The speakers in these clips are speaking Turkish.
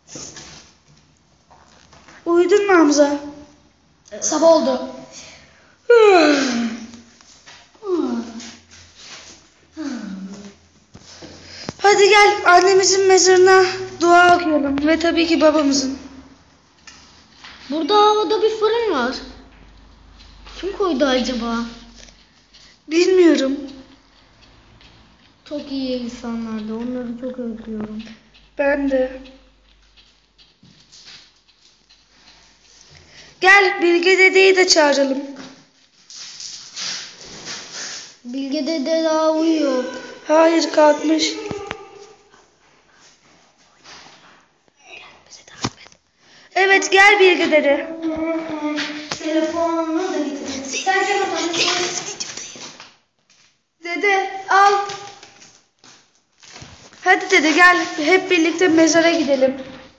Uyudun mu Hamza? Sabah oldu. Hadi gel annemizin mezarına dua okuyalım ve tabii ki babamızın. Burada havada bir fırın var. Kim koydu acaba? Bilmiyorum. Çok iyi insanlardı. Onları çok özlüyorum. Ben de. Gel Bilge dedeyi de çağıralım. Bilge dede daha uyuyor. Hayır kalkmış. Evet gel Bilge dede. Telefonunu da getir. Sen Dede al. Hadi dede gel hep birlikte mezara gidelim.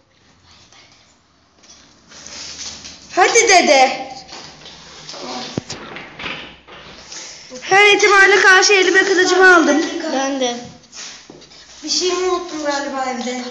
Hadi dede. Her ihtimale karşı elime kılıcımı aldım. Ben de. Bir şey mi unuttum galiba evde?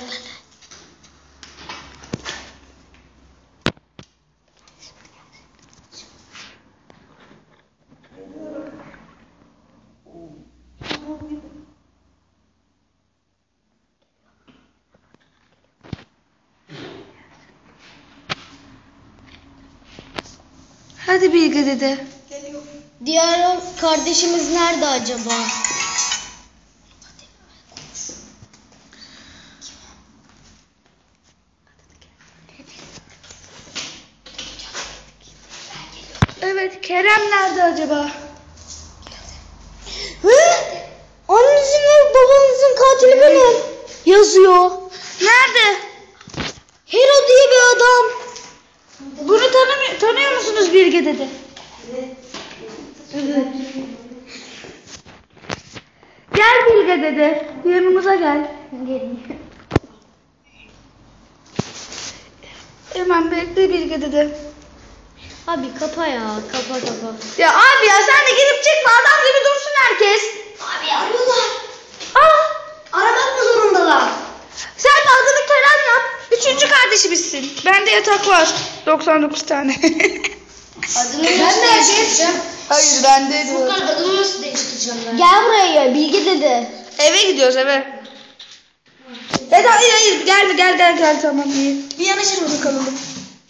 Hadi Bilge dede. Geliyor. Diğer kardeşimiz nerede acaba? Evet Kerem nerede acaba? Annenizin ve babanızın katili benim. Yazıyor. Nerede? Hero diye bir adam. Bunu tanıyor musunuz Bilge dede? Evet. Gel Bilge dede. Yanımıza gel. Hemen bekle Bilge dede. Abi kapa ya. Kapa. Ya abi ya sen de girip çıkma adam gibi dursun herkes. Abi arıyorlar. Aa, Aramak mı zorundalar? sen de adını Kerem yap. Üçüncü kardeşimizsin. Bende yatak var. 99 tane. Adını ben de değiştireceğim. Hayır bende diyor. Furkan adını nasıl değiştireceğim ben? Gel buraya Bilge dede. Eve gidiyoruz eve. Dede hayır gel tamam iyi. Bir yanaşır mı kalalım?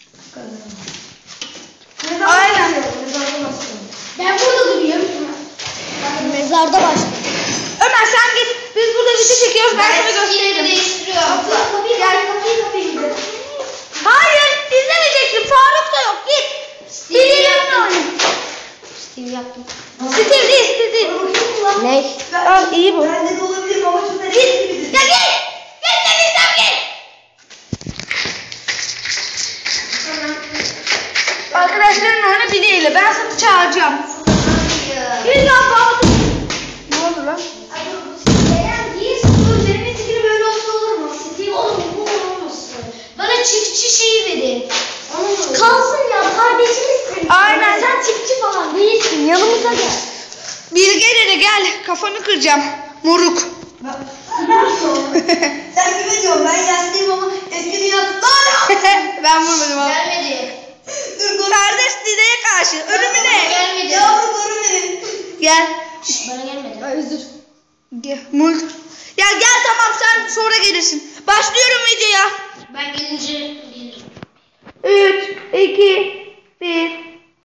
Aynen. Ben burada durayım. Mezarda başladı. Ömer sen git. Biz burada video çekiyoruz. Ben sana göstereyim. değiştiriyorum. Gel. Kapıyı. Hayır izlemeyeceksin. Faruk da yok. Git. Stevie yanına oyna. Steve yaptım. Steve değil. Ne? Al iyi bu. Bende de olabilir ama çok Git. Ya git. Git dediysem git. Arkadaşların oyunu bileyle. Ben sana çağıracağım. Git lan baba. Ne oldu lan? böyle olsa olur mu? Steve oğlum bu olmasın. Bana çiftçi şeyi verin. Kalsın ya kardeşimizsin. Aynen. Sen çiftçi falan değilsin. Yanımıza gel. Bilge dede gel. Kafanı kıracağım. Moruk. Sen kime diyorsun? Ben yaşlıyım ama eski dünya. Ben vurmadım abi. Gelmedi. Dur koru. Kardeş dedeye karşı. Ölümüne. Gelmedi. Yavru koru beni. Gel. Bana gelmedi. Özür. Gel. Mult. Ya gel tamam sen sonra gelirsin. Başlıyorum videoya. Ben gelince gelirim. 3, 2,